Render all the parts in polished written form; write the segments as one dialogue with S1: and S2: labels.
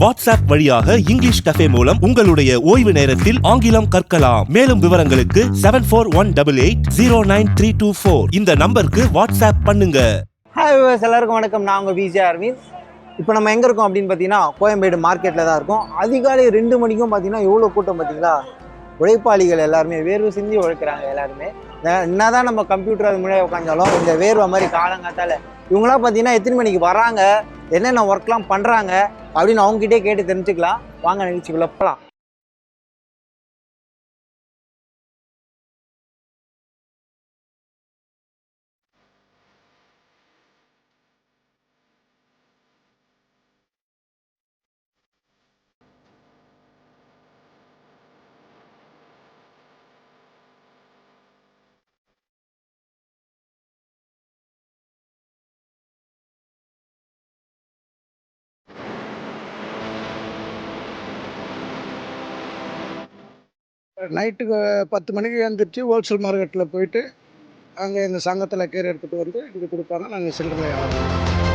S1: WhatsApp வழியாக English cafe மூலம் உங்களுடைய ஓய்வு நேரத்தில் ஆங்கிலம் கற்கலாம். மேலும் விவரங்களுக்கு 7418809324 இந்த நம்பருக்கு வாட்ஸ்அப் பண்ணுங்க.
S2: ஹாய் வியூவர்ஸ், எல்லாருக்கும் வணக்கம். நான் உங்கள் விஜய் அரவிந்த். இப்போ நம்ம எங்கே இருக்கோம் அப்படின்னு பார்த்தீங்கன்னா கோயம்பேடு மார்க்கெட்டில் தான் இருக்கோம். அதிகாலை 2 மணிக்கும் பார்த்தீங்கன்னா எவ்வளோ கூட்டம் பார்த்தீங்களா. உழைப்பாளிகள் எல்லாருமே வேர்வை சிந்தி உழைக்கிறாங்க. எல்லாருமே என்னதான் நம்ம கம்ப்யூட்டர் அது முன்னாடி உட்காந்தாலும் இந்த வேர்வை மாதிரி காலங்காத்தால இவங்களாம் பார்த்தீங்கன்னா எத்தனை மணிக்கு வராங்க, என்னென்ன ஒர்க்லாம் பண்ணுறாங்க அப்படின்னு அவங்ககிட்டே கேட்டு தெரிஞ்சுக்கலாம். வாங்க நிகழ்ச்சிக்குள்ள போகலாம்.
S3: நைட்டுக்கு 10 மணிக்கு எழுந்திரிச்சு ஹோல்சேல் மார்க்கெட்டில் போயிட்டு அங்கே எங்கள் சங்கத்தில் கீரை எடுத்துகிட்டு வந்து இங்கே கொடுப்பாங்க. நாங்கள் சில்லறை வியாபாரம்.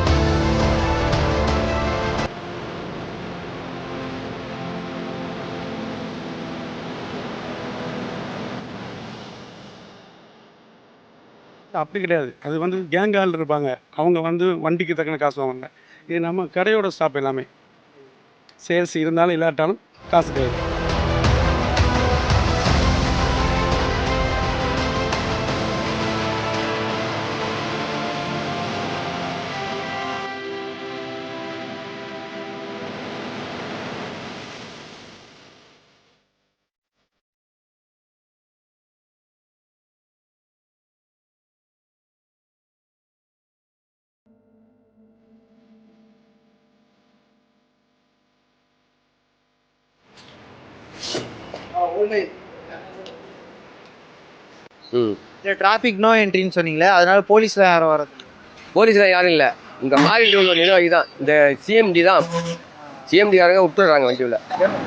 S4: அப்படி கிடையாது. அது வந்து கேங் ஆள் இருப்பாங்க. அவங்க வந்து வண்டிக்கு தக்கன காசு வாங்குவாங்க. இது நம்ம கடையோட ஸ்டாப் எல்லாமே. சேல்ஸ் இருந்தாலும் இல்லாட்டாலும் காசு கிடையாது.
S2: இந்த டிராஃபிக் நோ என்ட்ரின்னு சொன்னீங்களே, அதனால போலீஸ்லாம் யாரும் வர்றது?
S5: போலீஸ்லாம் யாரும் இல்லை. இங்கே மாறிட்டு ஒரு நிர்வாகி தான், இந்த சிஎம்டி தான். சிஎம்டிக்காரங்க விட்டுறாங்க வண்டியில்.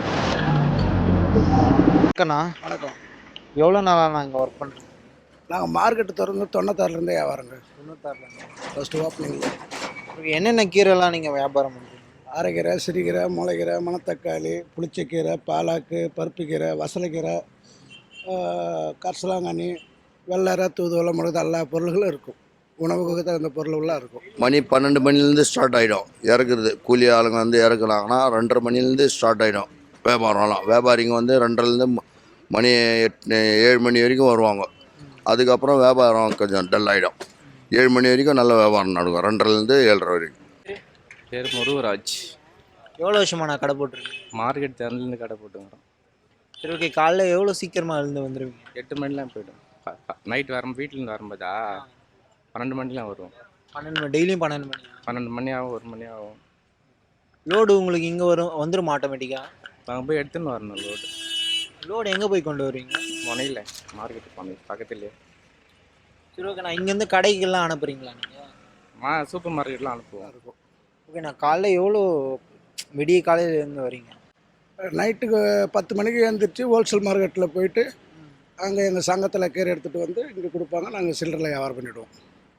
S3: வணக்கம்.
S2: எவ்வளோ நாளாக நான் இங்கே ஒர்க் பண்ணுறேன்?
S3: நாங்கள் மார்க்கெட்டு திறந்து 96லேருந்தே வியாபாரங்க.
S2: 96
S3: ஃபஸ்ட்டு ஓப்பனிங்கில்
S2: என்னென்ன கீரைலாம் நீங்கள் வியாபாரம் பண்ணுறீங்க?
S3: அரைக்கீரை, சிறுகீரை, முளைக்கீரை, மணத்தக்காளி, புளிச்சக்கீரை, பாலாக்கு, பருப்புக்கீரை, வசலைக்கீரை, கரிசலாங்கண்ணி, வெள்ளரை, தூதுவளை, முழுது எல்லா பொருள்களும் இருக்கும். உணவுக்கு தகுந்த பொருள்லாம் இருக்கும்.
S6: மணி 12 மணிலேருந்து ஸ்டார்ட் ஆகிடும் இறக்குறது. கூலி ஆளுங்க வந்து இறக்குனாங்கன்னா 2:30 மணிலேருந்து ஸ்டார்ட் ஆகிடும் வியாபாரம்லாம். வியாபாரிங்க வந்து 2:30லேருந்து மணி 7 மணி வரைக்கும் வருவாங்க. அதுக்கப்புறம் வியாபாரம் கொஞ்சம் டல் ஆகிடும். 7 மணி வரைக்கும் நல்ல வியாபாரம் நடக்கும். 2:30லேருந்து 7:30 வரைக்கும்.
S7: பேர் முருகராஜ்.
S2: எவ்வளோ வருஷமா நான் கடை போட்டிருக்கேன்?
S7: மார்க்கெட் திறந்துலேருந்து கடை போட்டுங்கிறோம்.
S2: சரி, ஓகே. காலைல எவ்வளோ சீக்கிரமாக எழுந்து வந்துடுவீங்க?
S7: 8 மணிலாம் போய்டும். நைட் வீட்டிலேருந்து வரும்போதா 12 மணிலாம் வருவோம்.
S2: 12 மணி, டெய்லியும் 12 மணி?
S7: 12 மணி ஆகும், 1 மணி ஆகும்.
S2: லோடு உங்களுக்கு இங்கே வந்துடும் ஆட்டோமேட்டிக்காக?
S7: நாங்கள் போய் எடுத்துன்னு வரணும்.
S2: லோடு எங்கே போய் கொண்டு வருவீங்க?
S7: முனையில் மார்க்கெட்டு போனது பக்கத்துலேயே.
S2: சரி, ஓகே. நான் இங்கேருந்து கடைக்கெல்லாம் அனுப்புகிறீங்களா நீங்கள்?
S7: சூப்பர் மார்க்கெட்லாம் அனுப்புவோம்.
S2: ஓகே. நான் காலைல எவ்வளோ விடிய காலையிலேருந்து வரீங்க?
S3: நைட்டுக்கு 10 மணிக்கு எழுந்திரிச்சு ஹோல்சேல் மார்க்கெட்டில் போயிட்டு அங்கே எங்கள் சங்கத்தில் கீரை எடுத்துகிட்டு வந்து இங்கே கொடுப்பாங்க. நாங்கள் சில்லறை வியாபாரம் பண்ணிவிடுவோம்.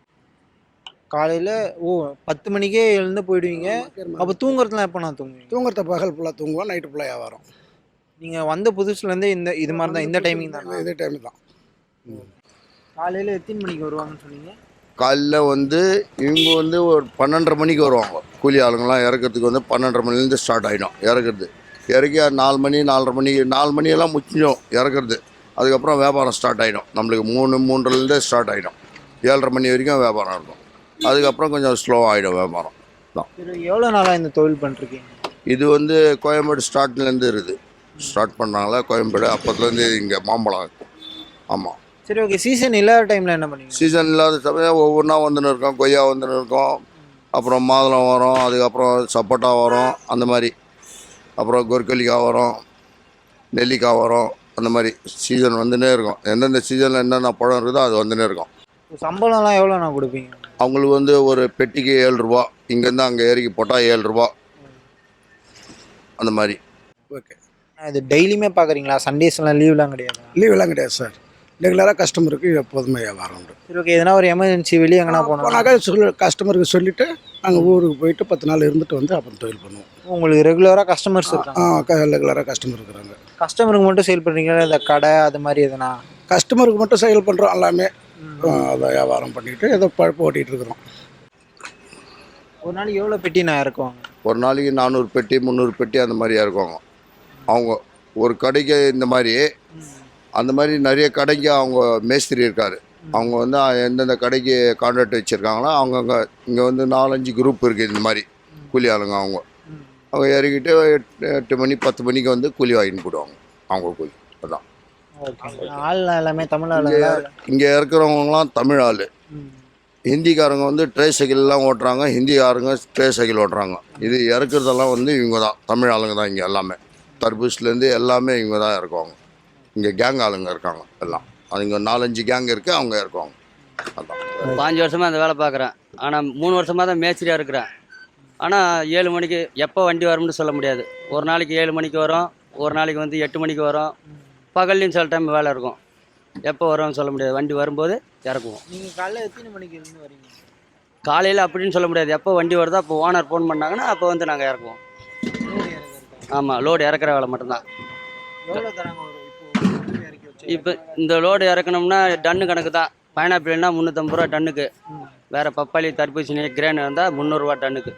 S2: காலையில் 10 மணிக்கே எழுந்து போயிடுவீங்க. அப்போ தூங்குறதுலாம் எப்போ நான் தூங்குவீங்க?
S3: தூங்குறத பகல் ஃபுல்லாக தூங்குவோம், நைட்டு ஃபுல்லாக வியாபாரம்.
S2: நீங்கள் வந்த புதுசுலேருந்தே இது மாதிரி தான், இந்த டைமிங் தான்?
S3: இதே டைம் தான்.
S2: காலையில் எத்தனை மணிக்கு வருவாங்கன்னு சொன்னீங்க?
S6: காலைல வந்து இவங்க வந்து ஒரு 12:30 மணிக்கு வருவாங்க. கூலி ஆளுங்கள்லாம் இறக்கிறதுக்கு வந்து 12:30 மணிலேருந்து ஸ்டார்ட் ஆகிடும் இறக்குறது. இறக்கி 4 மணி 4:30 மணி 4 மணியெல்லாம் முடிச்சிடும் இறக்குறது. அதுக்கப்புறம் வியாபாரம் ஸ்டார்ட் ஆகிடும். நம்மளுக்கு 3:30லேருந்தே ஸ்டார்ட் ஆகிடும். 7:30 மணி வரைக்கும் வியாபாரம் இருக்கும். அதுக்கப்புறம் கொஞ்சம் ஸ்லோவாக ஆகிடும் வியாபாரம் தான்.
S2: எவ்வளோ நாளாக இந்த தொழில் பண்ணிருக்கீங்க?
S6: இது வந்து கோயம்பேடு ஸ்டார்ட்லேருந்து இருக்குது. ஸ்டார்ட் பண்ணாங்களா கோயம்பேடு, அப்போத்துலேருந்து இங்கே மாம்பழம் இருக்கும். ஆமாம்.
S2: சரி, ஓகே. சீசன் இல்லாத டைமில் என்ன பண்ணுவீங்க?
S6: சீசன் இல்லாத சமயம் ஒவ்வொன்றா வந்துன்னு இருக்கோம். கொய்யா வந்துன்னு இருக்கோம், அப்புறம் மாதுளம் வரும், அதுக்கப்புறம் சப்போட்டா வரும், அந்த மாதிரி. அப்புறம் கொர்க்கலிக்காய் வரும், நெல்லிக்காய் வரும். அந்த மாதிரி சீசன் வந்துன்னே இருக்கும். எந்தெந்த சீசனில் என்னென்ன பழம் இருக்குதோ அது வந்துன்னே இருக்கும்.
S2: சம்பளம்லாம் எவ்வளோ நான் கொடுப்பீங்க?
S6: அவங்களுக்கு வந்து ஒரு பெட்டிக்கு 7 ரூபா. இங்கேருந்து அங்கே இறக்கி போட்டால் 7 ரூபா அந்த மாதிரி.
S3: ஓகே.
S2: இது டெய்லியுமே பார்க்குறீங்களா? சண்டேஸ்லாம் லீவ்லாம் கிடையாது?
S3: லீவெல்லாம் கிடையாது சார். ரெகுலராக கஸ்டமருக்கு எப்போதுமே வியாபாரம் உண்டு.
S2: சரி, ஓகே. எதனா ஒரு எமர்ஜென்சி வெளியே எங்கன்னா போனாக்கா
S3: கஸ்டமருக்கு சொல்லிவிட்டு நாங்கள் ஊருக்கு போயிட்டு 10 நாள் இருந்துட்டு வந்து அப்புறம் தொழில் பண்ணுவோம்.
S2: உங்களுக்கு ரெகுலராக கஸ்டமர்ஸ் இருக்காங்க?
S3: ரெகுலராக கஸ்டமர் இருக்கிறாங்க.
S2: கஸ்டமருக்கு மட்டும் சேல் பண்ணுறீங்களா, இந்த கடை அது மாதிரி எதுனா?
S3: கஸ்டமருக்கு மட்டும் சேல் பண்ணுறோம் எல்லாமே. அதை வியாபாரம் பண்ணிட்டு ஏதோ பழப்பு ஓட்டிகிட்டு இருக்கிறோம்.
S2: ஒரு நாளைக்கு எவ்வளோ பெட்டி நான் இறக்குவாங்க?
S6: ஒரு நாளைக்கு 400 பெட்டி 300 பெட்டி அந்த மாதிரி இறக்குவாங்க. அவங்க ஒரு கடைக்கு இந்த மாதிரி அந்த மாதிரி நிறைய கடைக்கு அவங்க மேஸ்திரி இருக்கார். அவங்க வந்து எந்தெந்த கடைக்கு கான்ட்ராக்ட் வச்சுருக்காங்களோ அவங்கங்க இங்கே வந்து 4-5 குரூப் இருக்குது இந்த மாதிரி கூலி ஆளுங்க. அவங்க இறக்கிட்டு 8 மணி 10 மணிக்கு வந்து கூலி வாங்கிட்டு போடுவாங்க. அவங்க கூலி அதான்.
S2: ஆள்லாம் எல்லாமே தமிழ் ஆளுங்களா?
S6: இங்கே இருக்கிறவங்கலாம் தமிழ் ஆள். ஹிந்திக்காரங்க வந்து ட்ரே சைக்கிள்லாம் ஓட்டுறாங்க, ஹிந்திக்காரங்க ட்ரே சைக்கிள் ஓட்டுறாங்க. இது இறக்குறதெல்லாம் வந்து இவங்க தான், தமிழ் ஆளுங்க தான். இங்கே எல்லாமே தர்பூஸ்லேருந்து எல்லாமே இவங்க தான் இறக்குவாங்க. இங்கே கேங் ஆளுங்க இருக்காங்க எல்லாம். அது இங்கே 4-5 கேங் இருக்குது, அவங்க இறக்குவாங்க. அதான்
S8: 5 வருஷமாக அந்த வேலை பார்க்குறேன். ஆனால் 3 வருஷமாக தான் மேஸ்திரியாக இருக்கிறேன். ஆனால் 7 மணிக்கு எப்போ வண்டி வரும்னு சொல்ல முடியாது. ஒரு நாளைக்கு 7 மணிக்கு வரும், ஒரு நாளைக்கு வந்து 8 மணிக்கு வரும். பகல்லையும் சில டைம் வேலை இருக்கும். எப்போ வரும்னு சொல்ல முடியாது. வண்டி வரும்போது இறக்குவோம்.
S2: நீங்கள் காலையில் எத்தனை மணிக்கு இருந்து வரீங்க?
S8: காலையில் அப்படின்னு சொல்ல முடியாது. எப்போ வண்டி வருதோ அப்போ ஓனர் ஃபோன் பண்ணாங்கன்னா அப்போ வந்து நாங்கள் இறக்குவோம். ஆமாம், லோடு இறக்குற வேலை மட்டும்தான்.
S2: எவ்வளோ தராங்க இப்போ இறக்கி வச்சு?
S8: இப்போ இந்த லோடு இறக்கணும்னா டன்னு கணக்கு தான். பைனாப்பிள்னா 350 ரூபா டன்னுக்கு. வேறு பப்பாளி, தர்பூசணி, கிரேன் வந்தால் 300 ரூபா டன்னுக்கு.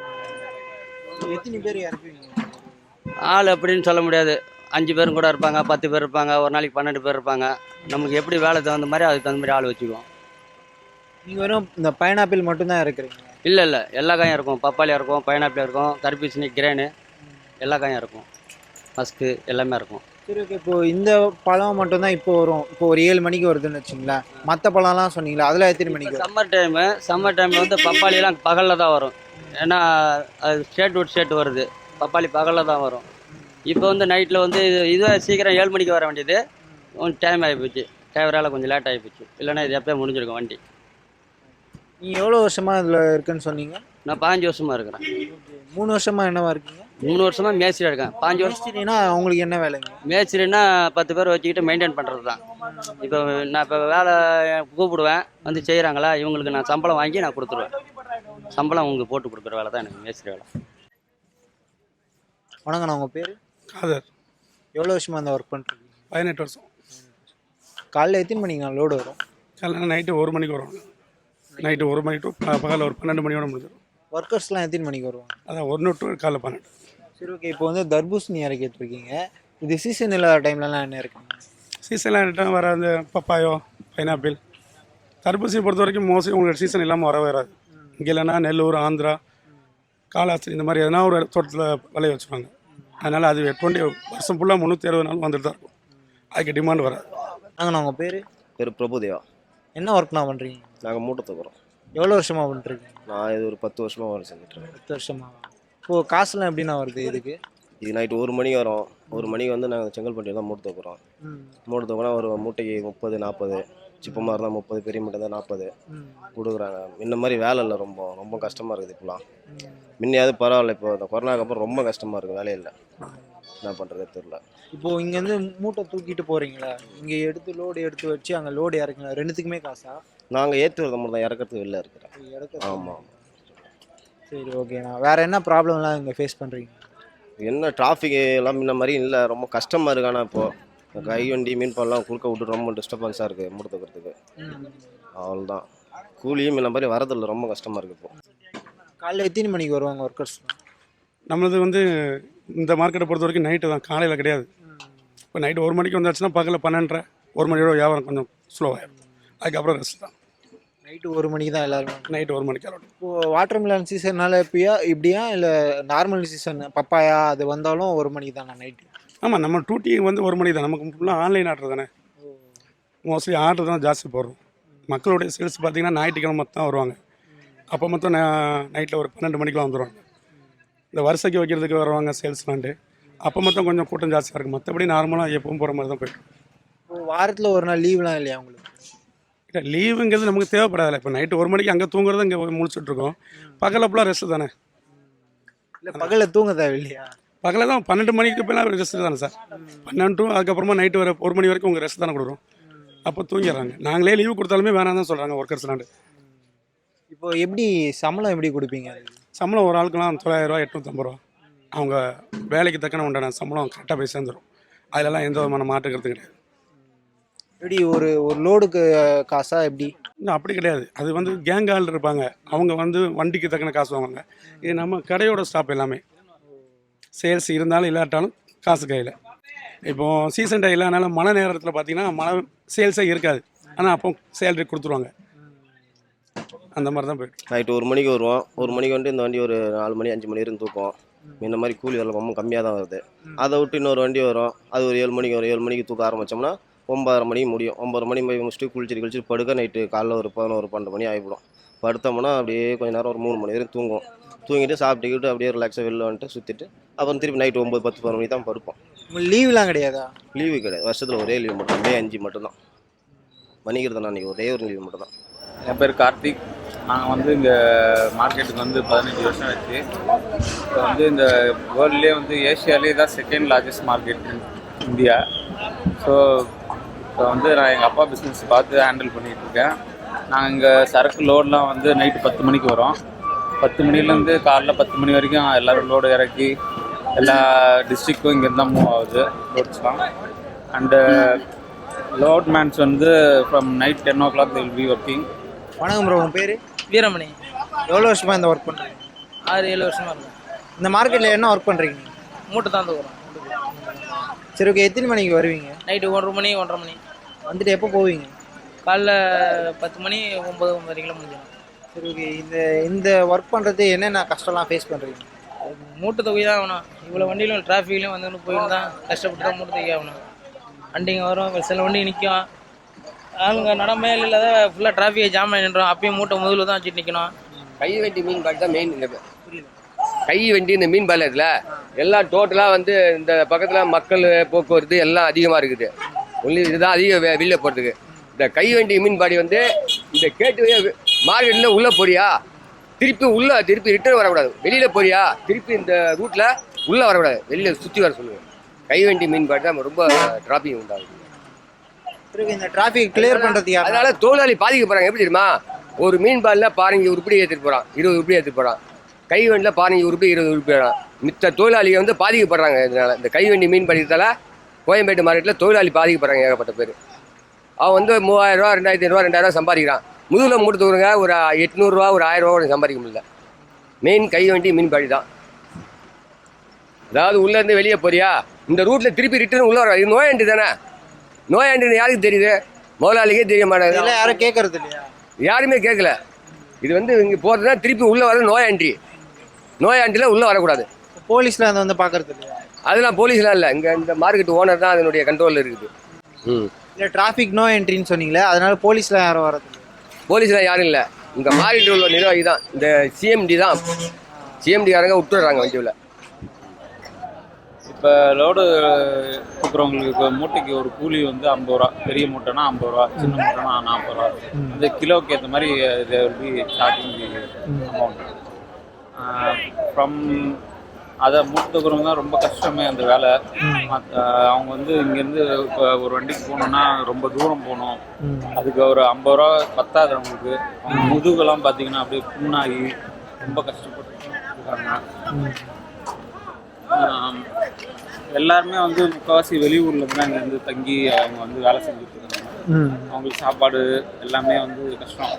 S2: எத்தனை பேர் இறக்குவீங்க?
S8: ஆள் அப்படின்னு சொல்ல முடியாது. 5 பேரும் கூட இருப்பாங்க, 10 பேர் இருப்பாங்க, ஒரு நாளைக்கு 12 பேர் இருப்பாங்க. நமக்கு எப்படி வேலை தகுந்த மாதிரி அதுக்கு தகுந்த மாதிரி ஆள் வச்சுக்குவோம்.
S2: நீங்கள் வெறும் இந்த பைனாப்பிள் மட்டும்தான் இறக்குறீங்க?
S8: இல்லை எல்லா காயும் இருக்கும். பப்பாளி இருக்கும், பைனாப்பிள் இருக்கும், தர்பூசணி, கிரேனு எல்லா காயும் இருக்கும். மஸ்கு எல்லாமே இருக்கும்.
S2: சரி, ஓகே. இப்போது இந்த பழம் மட்டும்தான் இப்போ வரும். இப்போ ஒரு 7 மணிக்கு வருதுன்னு வச்சுங்களேன். மற்ற பழம்லாம் சொன்னீங்களா, அதெல்லாம் எத்தனை மணிக்கு வரும்?
S8: சம்மர் டைமில் வந்து பப்பாளிலாம் பகலில் தான் வரும். ஏன்னா அது ஸ்டேட் விட்டு ஸ்டேட் வருது. பப்பாளி பகலில் தான் வரும். இப்போ வந்து நைட்டில் வந்து இதுவே சீக்கிரம் 7 மணிக்கு வர வேண்டியது. கொஞ்சம் டைம் ஆகிப்போச்சு. டிரைவரால் கொஞ்சம் லேட் ஆகிப்போச்சு. இல்லைன்னா இது எப்போயே முடிஞ்சிருக்கும் வண்டி.
S2: நீங்கள் எவ்வளோ வருஷமாக இதில் இருக்குன்னு சொன்னீங்க?
S8: நான் 15 வருஷமாக இருக்கிறேன்.
S2: 3 வருஷமாக என்னவா இருக்கீங்க?
S8: 3 வருஷமாக மேஸ்திரியாக இருக்கேன். 5 வருஷம்
S2: மேஸ்திரினா உங்களுக்கு என்ன வேலைங்க?
S8: மேஸ்திரின்னா 10 பேர் வச்சுக்கிட்டு மெயின்டைன் பண்ணுறது தான். இப்போ நான் இப்போ வேலை கூப்பிடுவேன், வந்து செய்கிறாங்களா, இவங்களுக்கு நான் சம்பளம் வாங்கி நான் கொடுத்துருவேன். சம்பளம் உங்களுக்கு போட்டு கொடுக்குற வேலை தான் எனக்கு மேஸ்திரி வேலை.
S2: வணக்கண்ணா, உங்கள் பேர்?
S4: காதர்.
S2: எவ்வளோ வருஷமாக அந்த ஒர்க் பண்ணுறீங்க?
S4: 18 வருஷம்.
S2: காலையில் எத்தனை மணிக்கு லோடு வரும்?
S4: காலையில் நைட்டு 1 மணிக்கு வருவாங்க. நைட்டு 1 மணி டு பகலில் ஒரு 12 மணியோட முடிஞ்சிடும்.
S2: ஒர்க்கர்ஸ்லாம் எத்தனை மணிக்கு வருவாங்க?
S4: அதான் 1 டு காலைல 12.
S2: சரி, ஓகே. இப்போ வந்து தர்பூசணி இறக்கிட்டு இருக்கீங்க. இது சீசன் இல்லாத டைம்லலாம் என்ன இருக்குங்க?
S4: சீசன்லாம் ரிட்டர்ன் வர அந்த பப்பாயோ, பைனாப்பிள், தர்பூசணி பொறுத்த வரைக்கும் மோஸ்ட்லி உங்களுக்கு சீசன் இல்லாமல் வரவே வராது. இங்கே இல்லைன்னா நெல்லூர், ஆந்திரா, காலாஸ்திரி இந்த மாதிரி எதனா ஒரு தோட்டத்தில் விளைய வச்சுருவாங்க. அதனால் அது 20 வருஷம் ஃபுல்லாக 360 நாள் வந்துட்டு தான் இருக்கும். அதுக்கு டிமாண்ட் வராது.
S2: நாங்கண்ணா, உங்கள் பேர்?
S9: பேர் பிரபுதேவா.
S2: என்ன ஒர்க்ண்ணா பண்ணுறீங்க?
S9: நாங்கள் மூட்டை தூக்குறோம்.
S2: எவ்வளோ வருஷமாக பண்ணிட்டுருக்கீங்க?
S9: நான் இது ஒரு 10 வருஷமாக வேலை செஞ்சுட்ருக்கேன்.
S2: 10 வருஷமாக. இப்போது காசுலாம் எப்படிண்ணா வருது இதுக்கு?
S9: இது நைட்டு 1 மணிக்கு வரும். 1 மணிக்கு வந்து நாங்கள் செங்கல்பட்டியில் தான் மூட்டை தூக்குறோம். மூட்டை தூக்குனா ஒரு மூட்டைக்கு 30-40, சிப்பமாக இருந்தால் 30, பெரிய மூட்டை தான் 40 கொடுக்குறாங்க. இந்த மாதிரி வேலை இல்லை. ரொம்ப ரொம்ப கஷ்டமாக இருக்குது இப்போலாம். முன்னையாவது பரவாயில்ல. இப்போ இந்த கொரோனாக்கு அப்புறம் ரொம்ப கஷ்டமாக இருக்குது. வேலையே இல்லை. என்ன பண்ணுறது தெரியல.
S2: இப்போது இங்கேருந்து மூட்டை தூக்கிட்டு போகிறீங்களா? இங்கே லோடு எடுத்து வச்சு அங்கே லோடு இறக்குங்களா? ரெண்டுத்துக்குமே காசா?
S9: நாங்கள் ஏற்றி வரத மட்டும் தான், இறக்கிறதுக்கு வெளில இருக்கிறேன். ஆமாம்.
S2: சரி, ஓகேண்ணா. வேறு என்ன ப்ராப்ளம்லாம் இங்கே ஃபேஸ் பண்ணுறீங்க?
S9: என்ன டிராஃபிக் எல்லாம் முன்ன மாதிரி இல்லை. ரொம்ப கஷ்டமாக இருக்கு. ஆனால் இப்போது கை வண்டி மீன் பால்லாம் குறுக்க விட்டு ரொம்ப டிஸ்டர்பன்ஸாக இருக்குது மூட்டை தூக்கிறதுக்கு. அவ்வளோதான். கூலியும் முன்ன மாதிரி வரதில்லை. ரொம்ப கஷ்டமாக இருக்குது. இப்போது
S2: காலையில் எத்தனை மணிக்கு வருவாங்க ஒர்க்கர்ஸ்?
S4: நம்மளது வந்து இந்த மார்க்கெட்டை பொறுத்த வரைக்கும் நைட்டு தான், காலையில் கிடையாது. இப்போ நைட்டு 1 மணிக்கு வந்தாச்சுன்னா பகலில் 12:30, 1 மணியோட வியாபாரம் கொஞ்சம் ஸ்லோவாகிடும். அதுக்கப்புறம் ரெஸ்ட் தான்.
S2: நைட்டு 1 மணிக்கு தான் எல்லோரும்?
S4: நைட்டு 1 மணிக்கு ஆகட்டும்.
S2: இப்போது வாட்டர் மிலன் சீசன்னால இப்படியா இல்லை நார்மல் சீசன் பப்பாயா அது வந்தாலும் 1 மணிக்கு தானே நைட்டு?
S4: ஆமாம், நம்ம டூட்டி வந்து 1 மணிக்கு தான். நமக்கு ஃபுல்லாக ஆன்லைன் ஆர்டர் தானே. மோஸ்ட்லி ஆர்டர் தான் ஜாஸ்தி போடுறோம். மக்களுடைய சேல்ஸ் பார்த்திங்கன்னா ஞாயிற்றுக்கிழமை தான் வருவாங்க. அப்போ மொத்தம் நைட்டில் ஒரு 12 மணிக்கெலாம் வந்துடுவாங்க. இந்த வருஷைக்கு வைக்கிறதுக்கு வருவாங்க சேல்ஸ்லான்ட்டு. அப்போ மொத்தம் கொஞ்சம் கூட்டம் ஜாஸ்தியாக இருக்குது. மற்றபடி நார்மலாக எப்பவும் போகிற மாதிரி தான் போய்ட்டு.
S2: இப்போ வாரத்தில் ஒரு நாள் லீவ்லாம் இல்லையா உங்களுக்கு?
S4: இல்லை, லீவுங்கிறது நமக்கு தேவைப்படாது. இப்போ நைட்டு 1 மணிக்கு அங்கே தூங்குறது இங்கே முழிச்சுட்ருக்கோம். பகலில் ஃபுல்லாக ரெஸ்ட்டு தானே.
S2: இல்லை, பகலில் தூங்க தேவையில்லையா?
S4: பகலில் தான் 12 மணிக்கு போய்லாம் ரெஸ்ட்டு தானே சார். 12 to அதுக்கப்புறமா நைட்டு வர 1 மணி வரைக்கும் உங்கள் ரெஸ்ட் தானே கொடுக்குறோம். அப்போ தூங்கிடுறாங்க. நாங்களே லீவு கொடுத்தாலுமே வேணாம் தான் சொல்கிறாங்க ஒர்க்கர்ஸ்லாண்டு.
S2: இப்போ எப்படி சம்பளம் எப்படி கொடுப்பீங்க அதுக்கு?
S4: சம்பளம் ஒரு ஆளுக்கெல்லாம் 900 ரூபா 850 ரூபா. அவங்க வேலைக்கு தக்கன உண்டான சம்பளம் கரெக்டாக போய் சேர்ந்துடும். அதிலெல்லாம் எந்த விதமான மாற்று கருத்து கிடையாது.
S2: எப்படி ஒரு ஒரு லோடுக்கு காசா எப்படி?
S4: இன்னும் அப்படி கிடையாது. அது வந்து கேங் ஆள் இருப்பாங்க. அவங்க வந்து வண்டிக்கு தக்கன காசு வாங்குவாங்க. இது நம்ம கடையோட ஸ்டாப் எல்லாமே. சேல்ஸ் இருந்தாலும் இல்லாட்டாலும் காசு கையில். இப்போது சீசன் டே இல்லாதனால மழை நேரத்தில் பார்த்தீங்கன்னா மழை சேல்ஸே இருக்காது. ஆனால் அப்போ சேலரி கொடுத்துருவாங்க. அந்த மாதிரி தான் போயிட்டு.
S9: நைட்டு 1 மணிக்கு வருவோம். 1 மணிக்கு வந்துட்டு இந்த வண்டி ஒரு 4 மணி 5 மணி வரைக்கும் தூக்கும். இந்த மாதிரி கூலி வரல ரொம்ப கம்மியாக தான் வருது. அதை விட்டு இன்னொரு வண்டி வரும். அது ஒரு 7 மணிக்கு வரும். 7 மணிக்கு தூக்க ஆரம்பித்தோம்னா 9:30 மணிக்கு முடியும். 9:30 மணி போய் முடிச்சுட்டு குளிச்சுட்டு படுக்க நைட்டு காலைல ஒரு 11 12 மணி ஆகிவிடும். படுத்தோம்னா அப்படியே கொஞ்சம் நேரம் ஒரு 3 மணி வரைக்கும் தூங்குவோம். தூங்கிட்டு சாப்பிட்டுக்கிட்டு அப்படியே ரிலாக்ஸாக வெளில வந்துட்டு சுற்றிட்டு அப்புறம் திருப்பி நைட்டு 9 10 11 மணி தான் படுப்போம்.
S2: லீவ்லாம் கிடையாதா?
S9: லீவு கிடையாது. வருஷத்தில் ஒரே லீவு மட்டும் மே 5 மட்டும்தான். வணிகர்தான் அன்றைக்கி ஒரே ஒரு லீவு மட்டும்தான்.
S7: என் பேர் கார்த்திக். நாங்கள் வந்து இங்கே மார்க்கெட்டுக்கு வந்து 15 வருஷம் ஆச்சு. இப்போ வந்து இந்த வேர்ல்ட்லேயே வந்து ஏஷியாலே தான் second largest market India. So இப்போ வந்து நான் எங்கள் அப்பா பிஸ்னஸ் பார்த்து ஹேண்டில் பண்ணிகிட்ருக்கேன். நாங்கள் இங்கே சரக்கு லோடெலாம் வந்து நைட்டு 10 மணிக்கு வரோம். 10 மணிலேருந்து காலைல 10 மணி வரைக்கும் எல்லோரும் லோடு இறக்கி எல்லா டிஸ்ட்ரிக்டும் இங்கேருந்து தான் மூவ் ஆகுது லோட்ஸ்லாம். அண்டு லோட் மேன்ஸ் வந்து from night 10 o'clock they will be working.
S2: வணக்கம் ப்ரோ, உங்கள் பேர்?
S10: வீரமணி.
S2: எவ்வளோ வருஷமாக இந்த ஒர்க் பண்ணுறீங்க?
S10: 6-7 வருஷமாக இருக்கும்.
S2: இந்த மார்க்கெட்டில் என்ன ஒர்க் பண்ணுறீங்க நீங்கள்?
S10: மூட்டை தான் தூக்குறோம்.
S2: சரி, ஓகே. எத்தனை மணிக்கு வருவீங்க?
S10: நைட்டு 1 மணி 1:30 மணி
S2: வந்துட்டு எப்போ போவீங்க?
S10: காலைல 10 மணி 9-9:30 முடிஞ்சிடும்.
S2: சரி, ஓகே. இந்த இந்த ஒர்க் பண்ணுறது என்னென்ன கஷ்டம்லாம் ஃபேஸ் பண்ணுறீங்க?
S10: மூட்டை தொகை தான் ஆகணும். இவ்வளோ வண்டியிலும் டிராஃபிக்லையும் வந்து போயிட்டு தான் கஷ்டப்பட்டு தான் மூட்டை தொகை ஆகணும். வண்டிங்க வரும், சில வண்டி நிற்கும். ஆளுங்க நடமையில் இல்லாத ஃபுல்லாக டிராஃபிக்கை ஜாம் ஆகி நின்றோம். அப்பயும் மூட்டை முதல்ல தான் வச்சுட்டு நிற்கணும்.
S5: கை வண்டி மீன் பாடி தான் மெயின். இந்த கை வண்டி இந்த மீன் பாலத்தில் எல்லாம் டோட்டலாக வந்து இந்த பக்கத்தில் மக்கள் போக்குவரத்து எல்லாம் அதிகமாக இருக்குது. ஒன்லி இதுதான் அதிக வெளில போகிறதுக்கு. இந்த கை வண்டி மீன் பாடி வந்து இந்த கேட்டு மார்க்கெட்டில் உள்ளே போறியா, திருப்பி ரிட்டர்ன் வரக்கூடாது. வெளியில் போறியா, திருப்பி இந்த ரூட்டில் உள்ளே வரக்கூடாது, வெளியில் சுற்றி வர சொல்லுவேன். கை வண்டி மீன் பாடி தான் ரொம்ப டிராஃபிக் உண்டாகுது.
S2: இந்த டிராஃபிக் கிளியர் பண்ணுறதுக்கு
S5: அதனால தொழிலாளி பாதிக்கப்படுறாங்க. எப்படி தெரியுமா? ஒரு மீன் பாலில் பாருங்க உருப்படி ஏற்றிட்டு போகிறான், 20 உருப்படி ஏற்றிட்டு போகிறான். கை வண்டியில் பாருங்க உருப்படி 20 உருப்படி போகிறான். மித்த தொழிலாளிகள் வந்து பாதிக்கப்படுறாங்க. இதனால் இந்த கை வண்டி மீன் பாடிக்கிறதால கோயம்பேட்டு மார்க்கெட்டில் தொழிலாளி பாதிக்கப்படுறாங்க. ஏகப்பட்ட பேர். அவன் வந்து 3000 ரூபா 2500 ரூபா 2000 சம்பாதிக்கிறான். முதுகில் மூட்டு தூருங்க ஒரு 800 ரூபா ஒரு 1000 ரூபா கூட சம்பாதிக்க முடியல. மெயின் கை வண்டி மீன் பாடி தான். அதாவது உள்ளேருந்து வெளியே போறியா, இந்த ரூட்டில் திருப்பி ரிட்டர்ன் உள்ளே வர. இது நோயாண்டி தானே. நோயாண்டின்னு யாருக்கு தெரியுது? முதலாளிக்கே தெரிய மாட்டாங்க.
S2: யாரும் கேட்கறது இல்லையா?
S5: யாருமே கேட்கல. இது வந்து இங்கே போகிறதுனா திருப்பி உள்ளே வர நோயாண்டியில் உள்ளே வரக்கூடாது.
S2: போலீஸில் அதை வந்து பார்க்கறது இல்லையா?
S5: அதெல்லாம் போலீஸ்லாம் இல்லை. இங்கே இந்த மார்க்கெட் ஓனர் தான் அதனுடைய கண்ட்ரோலில் இருக்குது.
S2: இல்லை, டிராஃபிக் நோ என்ட்ரின்னு சொன்னீங்களே, அதனால போலீஸ்லாம் யாரும் வரது?
S5: போலீஸ்லாம் யாரும் இல்லை. இங்கே மார்க்கெட்டில் உள்ள நிர்வாகி தான். இந்த சிஎம்டி தான். சிஎம்டிக்காரங்க விட்டுடுறாங்க வண்டியில்.
S7: இப்போ லோடு கொடுக்குறவங்களுக்கு மூட்டைக்கு ஒரு கூலி வந்து 50 ரூபா. பெரிய மூட்டைனா 50 ரூபா, சின்ன மூட்டைனா 40 ரூபா. இந்த கிலோவுக்கு ஏற்ற மாதிரி ஸ்டார்டிங் அமௌண்ட் ஃப்ரம் அதை மூட்டை தூக்குறவங்க தான் ரொம்ப கஷ்டமே அந்த வேலை. அவங்க வந்து இங்கேருந்து இப்போ ஒரு வண்டிக்கு போகணுன்னா ரொம்ப தூரம் போகணும். அதுக்கு ஒரு 50 ரூபா பத்தாது அவங்களுக்கு. அவங்க முதுகெல்லாம் பார்த்தீங்கன்னா அப்படியே புண்ணாகி ரொம்ப கஷ்டப்பட்டு இருக்காங்க. எல்லாருமே வந்து முக்கால்வாசி வெளியூரில் தான் இங்கே வந்து தங்கி அவங்க வந்து வேலை செஞ்சுட்டு இருக்காங்க. அவங்களுக்கு சாப்பாடு எல்லாமே வந்து கஷ்டம்.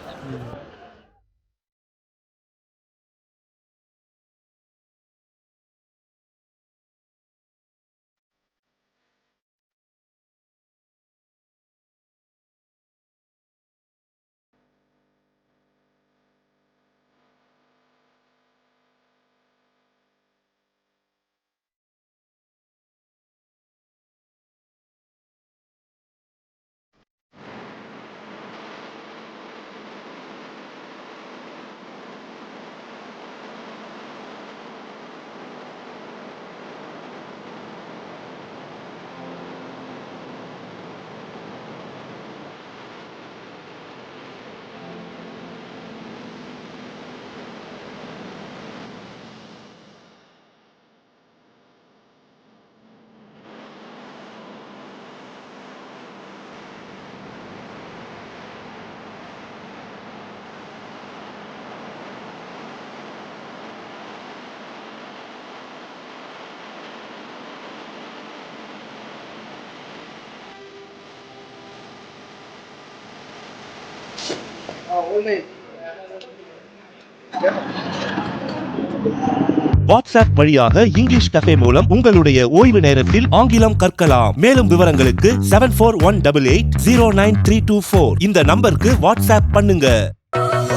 S1: வாட்ஸ்அப் வழியாக இங்கிலீஷ் கஃபே மூலம் உங்களுடைய ஓய்வு நேரத்தில் ஆங்கிலம் கற்கலாம். மேலும் விவரங்களுக்கு 7418809324 இந்த நம்பருக்கு வாட்ஸ்அப் பண்ணுங்க.